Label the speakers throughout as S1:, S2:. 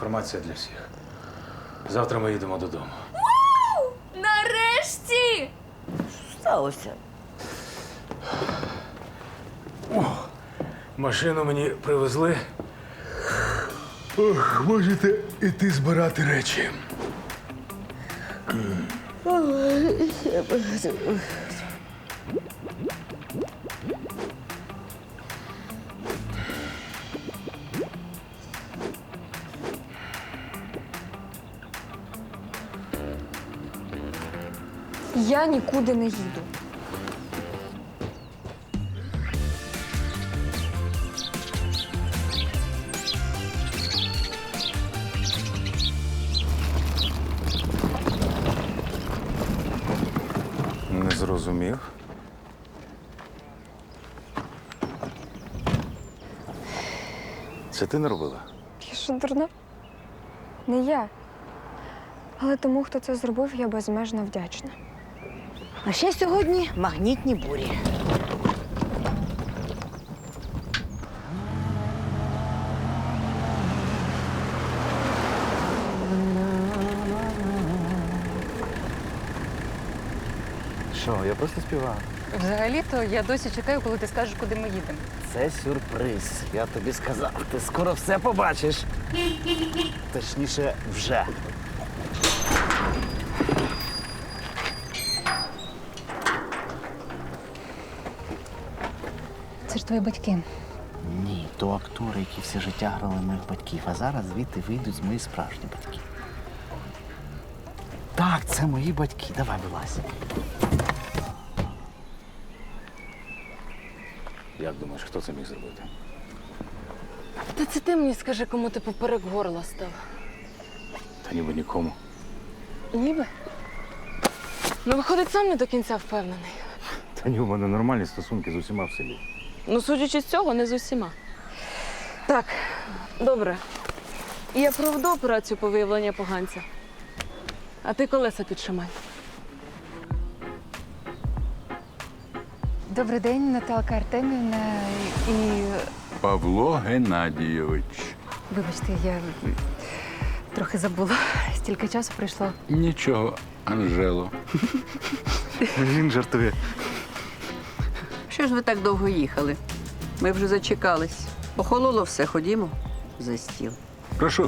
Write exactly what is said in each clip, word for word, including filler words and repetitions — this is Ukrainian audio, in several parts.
S1: інформація для всіх. Завтра ми їдемо додому.
S2: Вау! Нарешті!
S3: Що сталося?
S1: О, машину мені привезли. Ох, можете іти збирати речі.
S2: Я нікуди не їду.
S1: Не зрозумів. Це ти не робила?
S2: Я що, дурна? Не я. Але тому, хто це зробив, я безмежно вдячна.
S3: А ще сьогодні магнітні бурі.
S4: Що, я просто співаю.
S5: Взагалі-то я досі чекаю, коли ти скажеш, куди ми їдемо.
S4: Це сюрприз. Я тобі сказав, ти скоро все побачиш. Точніше, вже.
S5: Це ж твої батьки.
S4: Ні, то актори, які все життя грали моїх батьків, а зараз звідти вийдуть мої справжні батьки. Так, це мої батьки. Давай, вилазь.
S1: Як думаєш, хто це міг зробити?
S5: Та це ти мені скажи, кому ти поперек горла став.
S1: Та ніби нікому.
S5: Ніби? Ну, виходить, сам не до кінця впевнений.
S1: Та ні, у мене нормальні стосунки з усіма в селі.
S5: Ну, судячи з цього, не з усіма. Так, добре. Я проведу операцію по виявленню поганця. А ти колеса підшимай.
S6: Добрий день, Наталка Артемівна і...
S7: Павло Геннадійович.
S6: Вибачте, я трохи забула. Стільки часу пройшло.
S7: Нічого, Анжело.
S4: Він жартує.
S8: Що ж ви так довго їхали? Ми вже зачекались. Охололо все, ходімо за стіл.
S7: Прошу.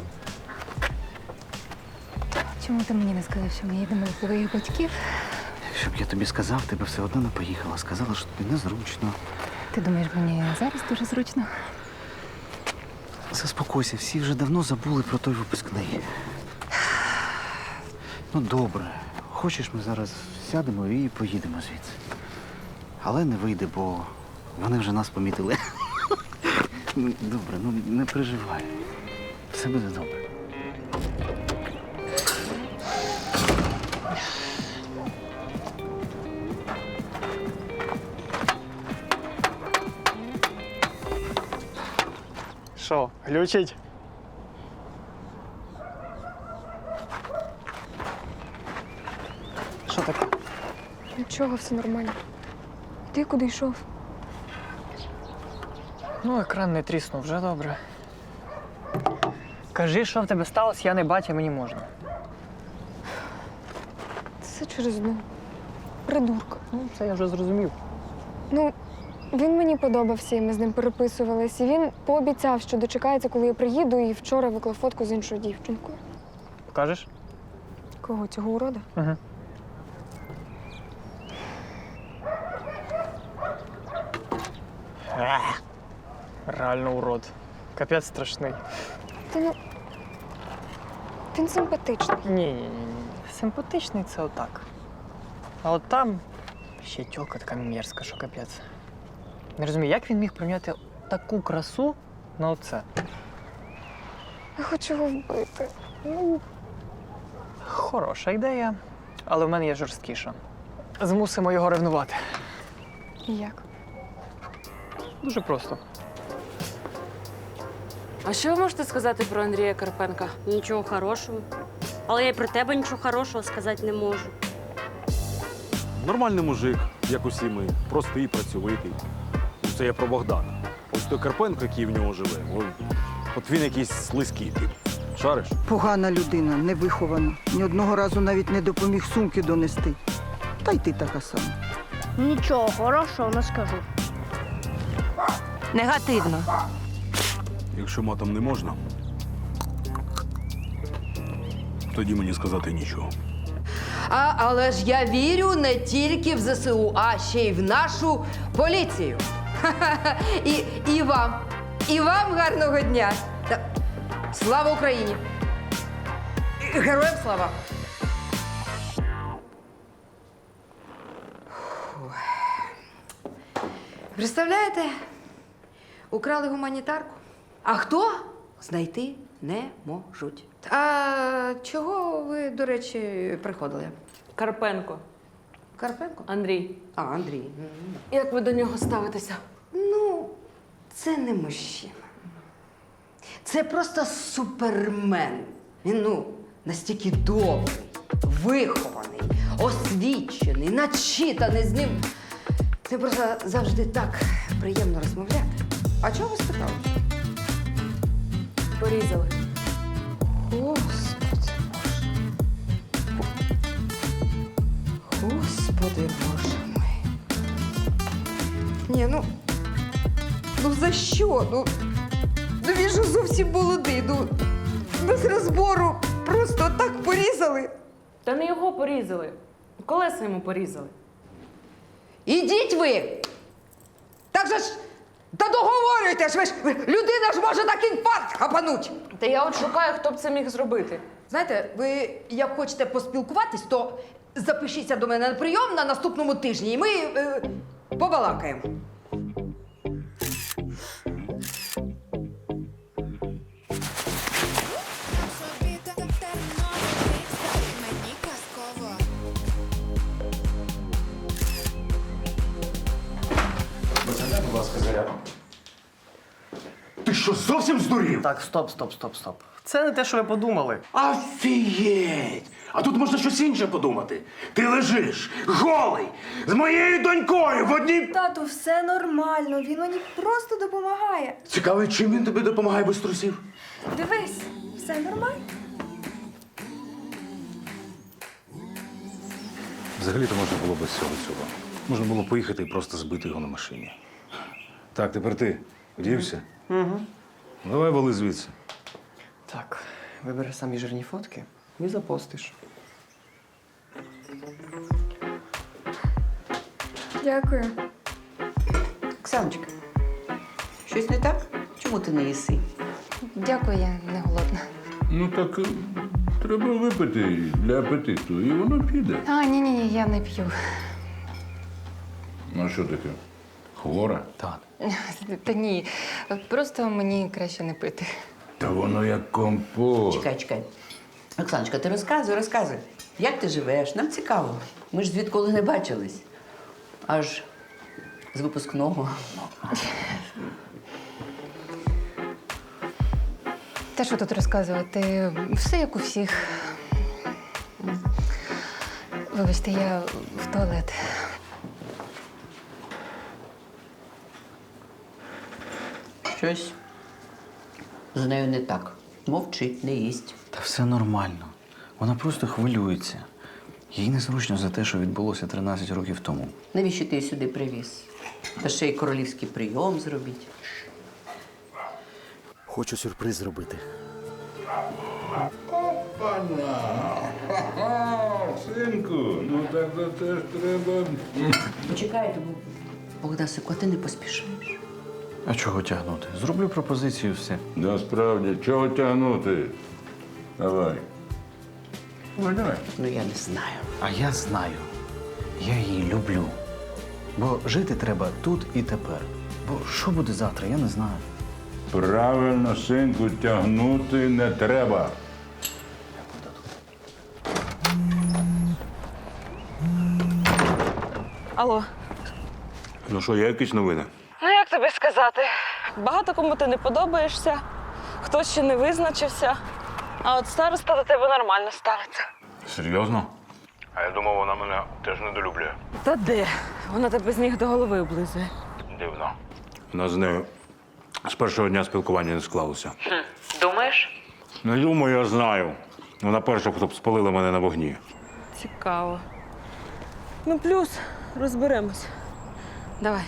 S6: Чому ти мені не сказав, що ми їдемо до твоїх батьків?
S4: Якщо б я тобі сказав, ти б все одно не поїхала. Сказала, що тобі незручно.
S6: Ти думаєш, мені зараз дуже зручно?
S4: Заспокойся, всі вже давно забули про той випускний. Ну, добре. Хочеш, ми зараз сядемо і поїдемо звідси. Але не вийде, бо вони вже нас помітили. Ну, добре, ну не переживай. Все буде добре.
S9: Що, глючить? Що таке?
S2: Нічого, все нормально. Ти куди йшов?
S9: Ну, екран не тріснув, вже добре. Кажи, що в тебе сталося, я не батя, мені можна.
S2: Це через одну придурка.
S9: Ну, це я вже зрозумів.
S2: Ну, він мені подобався, і ми з ним переписувались. І він пообіцяв, що дочекається, коли я приїду, і вчора виклав фотку з іншою дівчинкою.
S9: Покажеш?
S2: Кого, цього урода?
S9: Угу. Ех, реально урод. Капець страшний.
S2: Та ну, він симпатичний.
S9: Ні-ні-ні. Симпатичний це отак. А от там ще тьолка така мерзка, що капець. Не розумію, як він міг прийняти таку красу на оце?
S2: Я хочу його вбити.
S9: Ну, хороша ідея, але в мене є жорсткіша. Змусимо його ревнувати.
S2: І як?
S9: Дуже просто.
S5: А що ви можете сказати про Андрія Карпенка?
S10: Нічого хорошого. Але я й про тебе нічого хорошого сказати не можу.
S11: Нормальний мужик, як усі ми, простий, працьовитий. Це я про Богдана. Ось той Карпенко, який в нього живе, от він якийсь слизький тип. Шариш?
S12: Погана людина, невихована. Ні одного разу навіть не допоміг сумки донести. Та й ти така сама.
S10: Нічого хорошого не скажу.
S3: Негативно.
S11: Якщо матом не можна, тоді мені сказати нічого.
S13: А, але ж я вірю не тільки в зе се у, а ще й в нашу поліцію. Ха-ха-ха. І, і вам. І вам гарного дня. Та- Слава Україні! І Героям слава! Фух. Представляєте? Украли гуманітарку. А хто? Знайти не можуть. А чого ви, до речі, приходили?
S5: Карпенко.
S13: Карпенко?
S5: Андрій.
S13: А, Андрій.
S5: Як ви до нього ставитеся?
S13: Ну, це не мужчина. Це просто супермен. Він, ну, настільки добрий, вихований, освічений, начитаний з ним. Це просто завжди так приємно розмовляти. А чого ви спитали?
S5: Порізали.
S13: Господи Боже. Господи Боже мой. Ні, ну. Ну за що? Ну, ну він же зовсім молодий. Ну, без розбору просто так порізали.
S5: Та не його порізали. Колеса йому порізали.
S13: Ідіть ви! Так же ж. Та договорюйте ж, ви ж людина ж може так інфаркт хапануть.
S5: Та я от шукаю, хто б це міг зробити.
S13: Знаєте, ви як хочете поспілкуватись, то запишіться до мене на прийом на наступному тижні, і ми е, побалакаємо.
S1: Будь ласка, зарядку.
S4: Ти що, зовсім здурів?
S9: Так, стоп, стоп, стоп, стоп. Це не те, що ви подумали.
S4: Офігеть! А тут можна щось інше подумати. Ти лежиш, голий, з моєю донькою в одній...
S2: Тату, все нормально, він мені просто допомагає.
S4: Цікаво, чим він тобі допомагає без трусів?
S2: Дивись, все нормально.
S1: Взагалі-то можна було без цього цього. Можна було поїхати і просто збити його на машині. Так, тепер ти одівся?
S9: Угу.
S1: Давай вали звідси.
S9: Так, вибери самі жирні фотки і запостиш.
S2: Дякую.
S8: Оксаночка, щось не так? Чому ти не їси?
S6: Дякую, я не голодна.
S7: Ну так е, треба випити для апетиту, і воно піде.
S6: А, ні, ні, ні, я не п'ю.
S7: Ну а що таке? Хвора?
S4: Так.
S6: Та ні, просто мені краще не пити.
S7: Та воно як компот.
S8: Чекай, чекай. Оксаночка, ти розказуй, розказуй. Як ти живеш? Нам цікаво. Ми ж звідколи не бачились. Аж з випускного.
S6: Та що тут розказувати? Все як у всіх. Вибачте, я в туалет.
S8: Щось з нею не так. Мовчить, не їсть.
S4: Та все нормально. Вона просто хвилюється. Їй незручно за те, що відбулося тринадцять років тому.
S8: Навіщо ти її сюди привіз? Та ще й королівський прийом зробіть.
S4: Хочу сюрприз зробити.
S7: Синку, ну так то теж треба.
S8: Почекай, Богдасику, а ти не поспішаєш.
S4: А чого тягнути? Зроблю пропозицію, все.
S7: Насправді, чого тягнути? Давай. Ой, давай.
S8: Ну, я не знаю.
S4: А я знаю. Я її люблю. Бо жити треба тут і тепер. Бо що буде завтра, я не знаю.
S7: Правильно, синку, тягнути не треба.
S5: Алло.
S1: Ну що, є якісь новини?
S5: Ну як тобі сказати? Багато кому ти не подобаєшся, хтось ще не визначився, а от староста до тебе нормально ставиться.
S1: Серйозно? А я думав, вона мене теж недолюблює.
S5: Та де? Вона тебе з ніг до голови облизує.
S1: Дивно. У нас з нею з першого дня спілкування не склалося.
S5: Думаєш?
S1: Не думаю, я знаю. Вона перша, хто б спалила мене на вогні.
S5: Цікаво. Ну, плюс розберемось. Давай.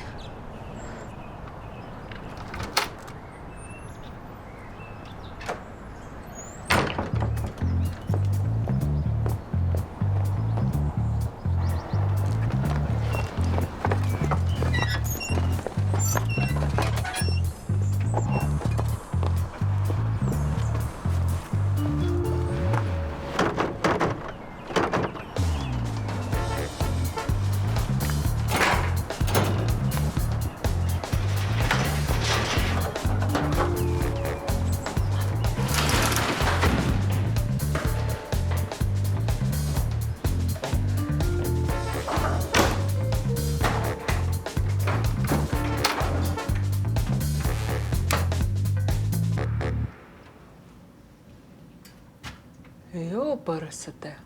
S5: Йо, пересете.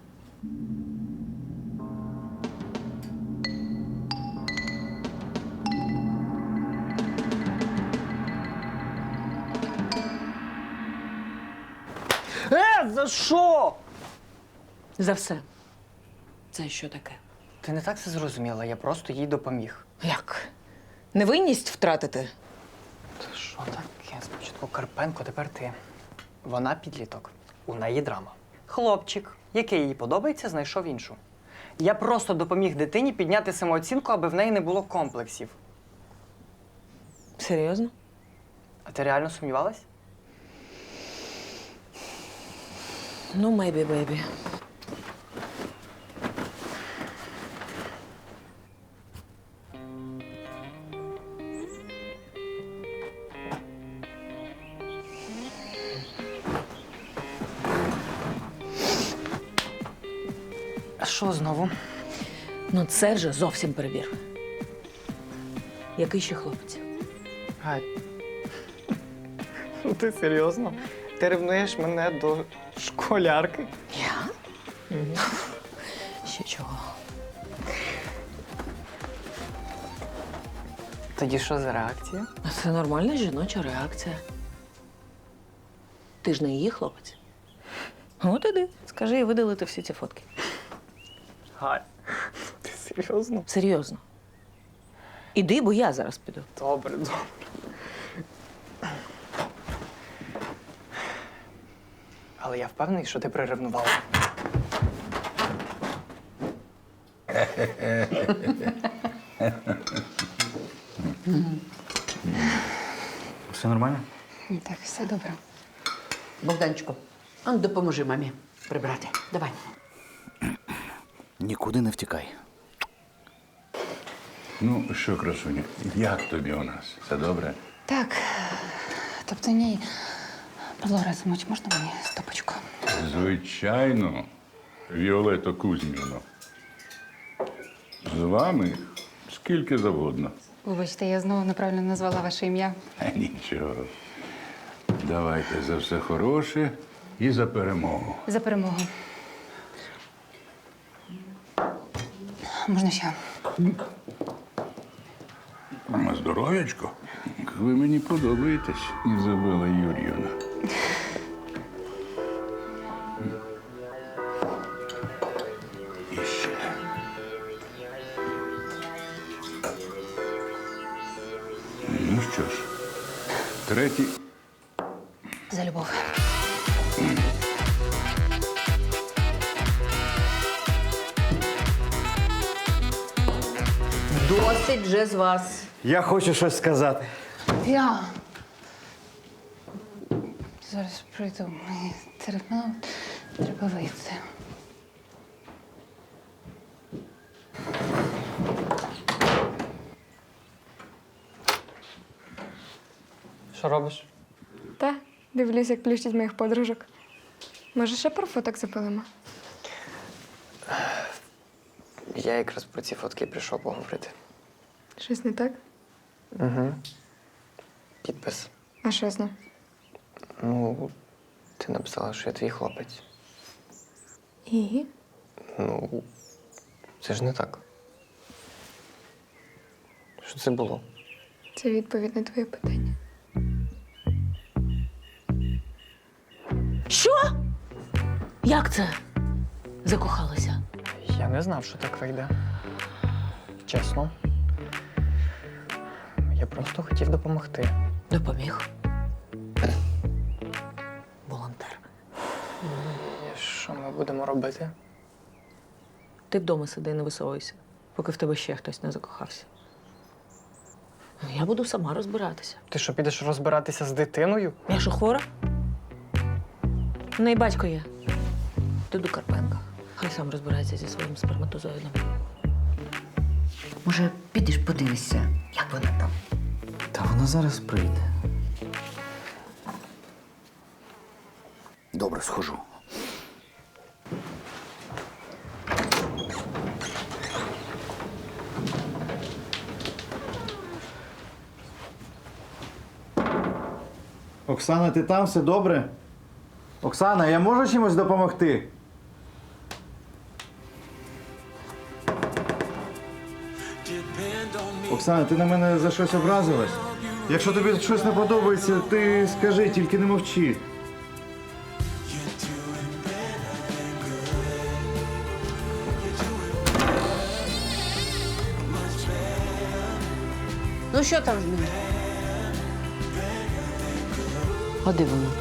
S9: Е, за що?
S5: За все. Це що таке?
S9: Ти не так це зрозуміла, я просто їй допоміг.
S3: Як? Невинність втратити?
S9: Та що таке? Спочатку Карпенко, тепер ти. Вона підліток. У неї драма. Хлопчик, який їй подобається, знайшов іншу. Я просто допоміг дитині підняти самооцінку, аби в неї не було комплексів.
S3: Серйозно?
S9: А ти реально сумнівалась?
S3: Ну, maybe, baby.
S9: А що знову?
S3: Ну, це вже зовсім перебір. Який ще хлопець?
S9: Гай. Ну ти серйозно? Ти ревнуєш мене до школярки?
S3: Я? Ще чого?
S9: Тоді що за реакція?
S3: А це нормальна жіноча реакція. Ти ж не її хлопець. От іди, скажи і видалити всі ці фотки.
S9: Гай. Ти серйозно?
S3: Серйозно. Іди, бо я зараз піду.
S9: Добре, добре. Але я впевнений, що ти приревнувала.
S4: Все нормально?
S2: Так, все добре.
S8: Богданчику, а ну допоможи мамі прибрати. Давай.
S4: Нікуди не втікай.
S7: Ну що, красуня, як тобі у нас? Все добре?
S6: Так. Тобто ні. Павло Разумович, можна мені стопочку?
S7: Звичайно, Віолетто Кузьміно. З вами скільки завгодно.
S6: Вибачте, я знову неправильно назвала ваше ім'я.
S7: Е, Нічого. Давайте за все хороше і за перемогу.
S6: За перемогу. Можна ще?
S7: На здоров'ячко. Ви мені подобаєтесь, Ізабела Юр'ївна. І ще. Ну що ж, третій.
S6: За любов.
S8: Досить вже з вас.
S4: Я хочу щось сказати.
S6: Я. Зараз прийду. Мені терміново треба вийти.
S9: Що робиш?
S2: Та, дивлюсь, як плющить моїх подружок. Може, ще про фоток запилимо?
S9: Я якраз про ці фотки прийшов поговорити.
S2: Щось не так?
S9: Угу. Підпис.
S2: А що з ним?
S9: Ну, ти написала, що я твій хлопець.
S2: І?
S9: Ну, це ж не так. Що це було?
S2: Це відповідь на твоє питання.
S3: Що? Як це? Закохалася?
S9: Я не знав, що так вийде. Чесно. Я просто хотів допомогти.
S3: Допоміг. Волонтер.
S9: І що ми будемо робити?
S3: Ти вдома сиди, не висовуйся, поки в тебе ще хтось не закохався. Я буду сама розбиратися.
S9: Ти що, підеш розбиратися з дитиною?
S3: Я що, хвора? У неї батько є. Ти до Карпенка. Хай сам розбирається зі своїм сперматозоїдом.
S13: Може, підеш подивишся, як вона там?
S4: Та вона зараз прийде. Добре, схожу.
S14: Оксана, ти там? Все добре? Оксана, я можу чимось допомогти? Оксана, ти на мене за щось образилась? Якщо тобі щось не подобається, ти скажи, тільки не мовчи.
S8: Ну що там з ним?
S3: А де вона?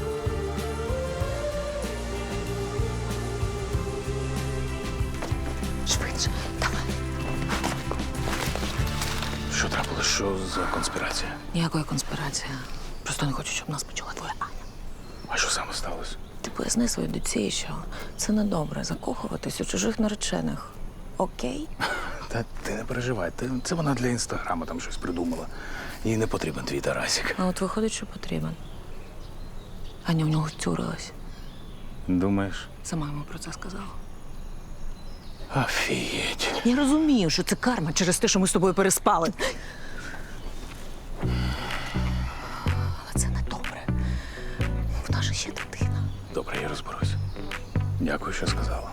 S8: Швидше, давай.
S1: Що трапилось? Що за конспірація?
S3: Ніякої конспірації. Просто не хочу, щоб нас почула твоя Аня.
S1: А що саме сталося?
S3: Ти поясни своїй доці, що це недобре закохуватись у чужих наречених. Окей?
S1: Та ти не переживай, ти- це вона для інстаграму там щось придумала. Їй не потрібен твій Тарасик.
S3: А от виходить, що потрібен. Аня в нього втюрилась.
S1: Думаєш?
S3: Сама йому про це сказала.
S1: Офігеть.
S3: Я розумію, що це карма через те, що ми з тобою переспали. Але це не добре. В нас же ще дитина.
S1: Добре, я розберусь. Дякую, що сказала.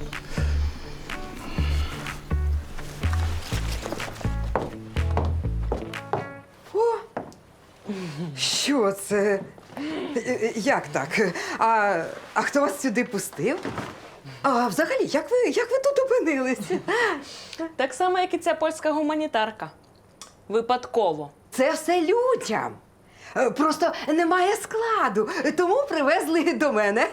S13: Що це? Е, Як так? А, а хто вас сюди пустив? А взагалі, як ви, як ви тут опинилися?
S5: Так само, як і ця польська гуманітарка. Випадково.
S13: Це все людям. Е, Просто немає складу, тому привезли до мене.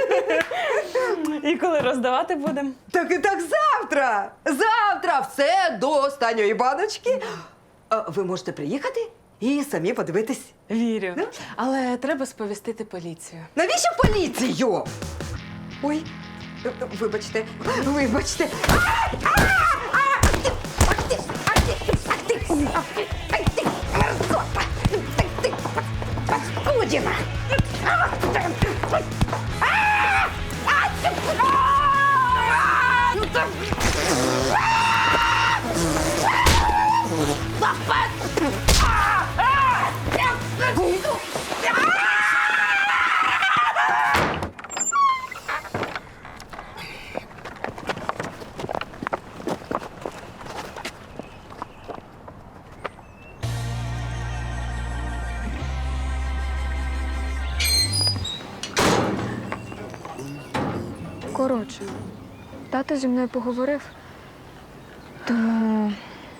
S5: І коли роздавати будемо?
S13: Так і так завтра! Завтра все до останньої баночки. Е, Ви можете приїхати і самі подивитись.
S5: Вірю. Але треба сповістити поліцію.
S13: Навіщо поліцію? Ой, е, вибачте, вибачте. Ай! А! А! Ах ти! Ах ти! Ах ти! Ах ти! Ах ти! Мерзота! Ах ти! Паскудіна! А! А! А! Ну так!
S2: Коротше, тато зі мною поговорив, тому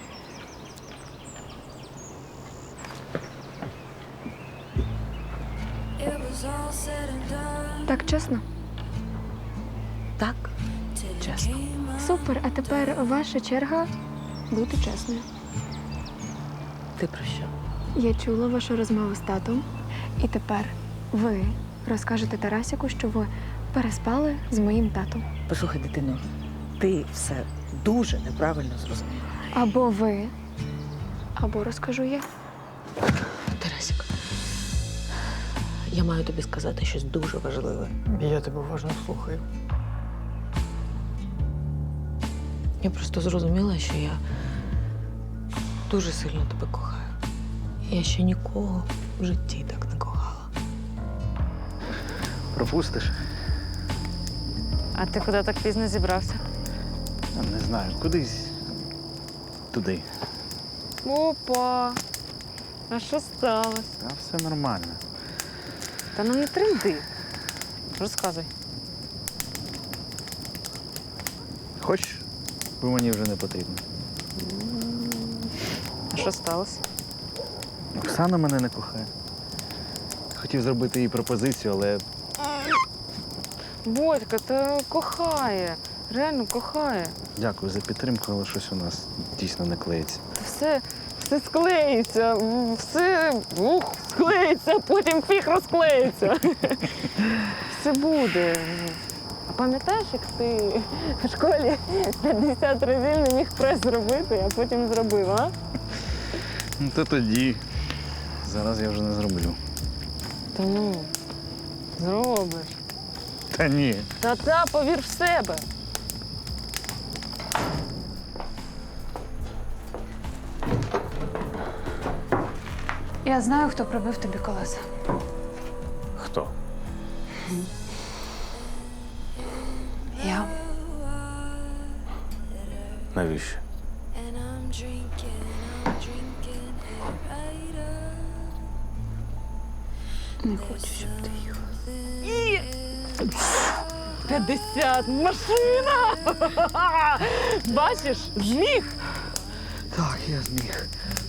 S2: так чесно?
S3: Так, чесно.
S2: Супер, а тепер ваша черга бути чесною.
S3: Ти про що?
S2: Я чула вашу розмову з татом, і тепер ви розкажете Тарасіку, що ви переспали з моїм татом.
S3: Послухай, дитино, ти все дуже неправильно зрозуміла.
S2: Або ви, або розкажу я.
S3: Тарасик, я маю тобі сказати щось дуже важливе.
S9: Я тебе уважно слухаю.
S3: Я просто зрозуміла, що я дуже сильно тебе кохаю. Я ще нікого в житті так не кохала.
S14: Пропустиш?
S5: А ти куди так пізно зібрався?
S14: Не знаю, кудись туди.
S5: Опа! А що сталося?
S14: Та все нормально.
S5: Та ну не тренди. Розказуй.
S4: Хочеш? Бо мені вже не потрібно.
S5: А що сталося?
S4: Оксана мене не кохає. Хотів зробити їй пропозицію, але
S5: Бодька, та кохає. Реально кохає.
S4: дякую за підтримку, але щось у нас дійсно не клеїться.
S5: Та все, все склеїться, все ух, склеїться, потім фіг розклеїться. Все буде. А пам'ятаєш, як ти в школі п'ятдесят разів не міг прес зробити, а потім зробив, а?
S4: Ну то тоді. Зараз я вже не зроблю.
S5: Та ну, зробиш.
S4: Та ні.
S5: Та-та, повір в себе.
S6: Я знаю, хто пробив тобі колеса.
S1: Хто?
S6: Я.
S1: Навіщо?
S6: Не хочу, щоб ти їхав.
S5: п'ятдесят, машина! Бачиш, зміг.
S4: Так, я зміг.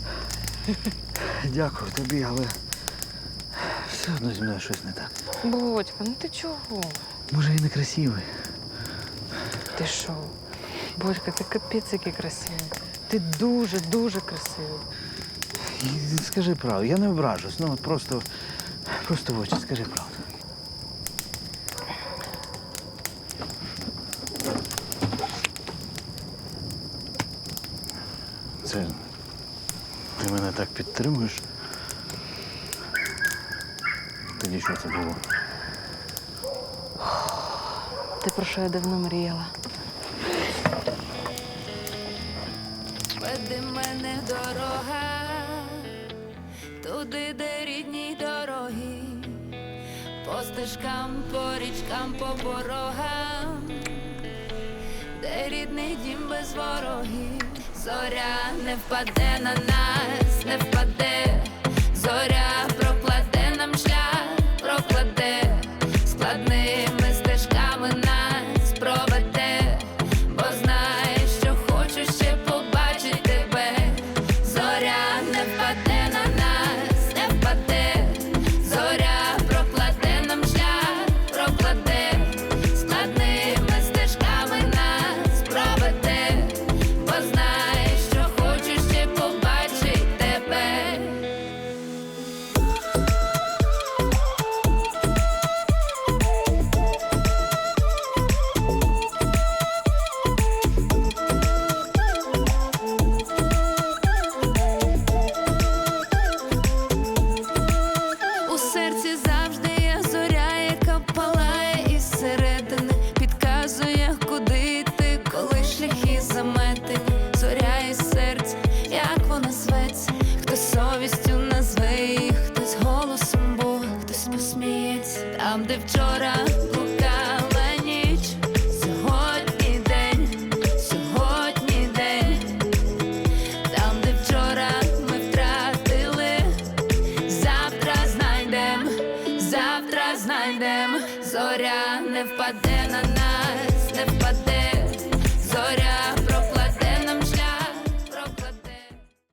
S4: Дякую тобі, але все одно зі мною щось не так.
S5: Бодька, ну ти чого?
S4: Може, я не красивий.
S5: Ти що? Бодька, ти капець який красивий. Ти дуже-дуже красивий.
S4: І скажи правду, я не ображусь, ну от просто, просто в очі скажи правду. Це ти мене так підтримуєш? Тоді що це було?
S5: Ти про що я давно мріяла?
S15: Веди мене дорога, туди, де рідні дороги, по стежкам, по річкам, по порогам, де рідний дім без ворогів. Зоря не впаде на нас, не впаде, зоря прокладе нам шлях, прокладе, складними стежками нас проведе, бо знає, що хочу ще побачити тебе. Зоря не впаде на нас, не впаде, зоря прокладе нам шлях, прокладе, складними стежками нас проведе, бо знає, що хочу ще побачити тебе. У серці завжди є зоря, яка палає із середини, підказує, куди йти, коли шляхи заметені. Зоря із серця, як вона зветься, хтось совістю назве її, хтось голосом Бога, хтось посміється. Там, де вчора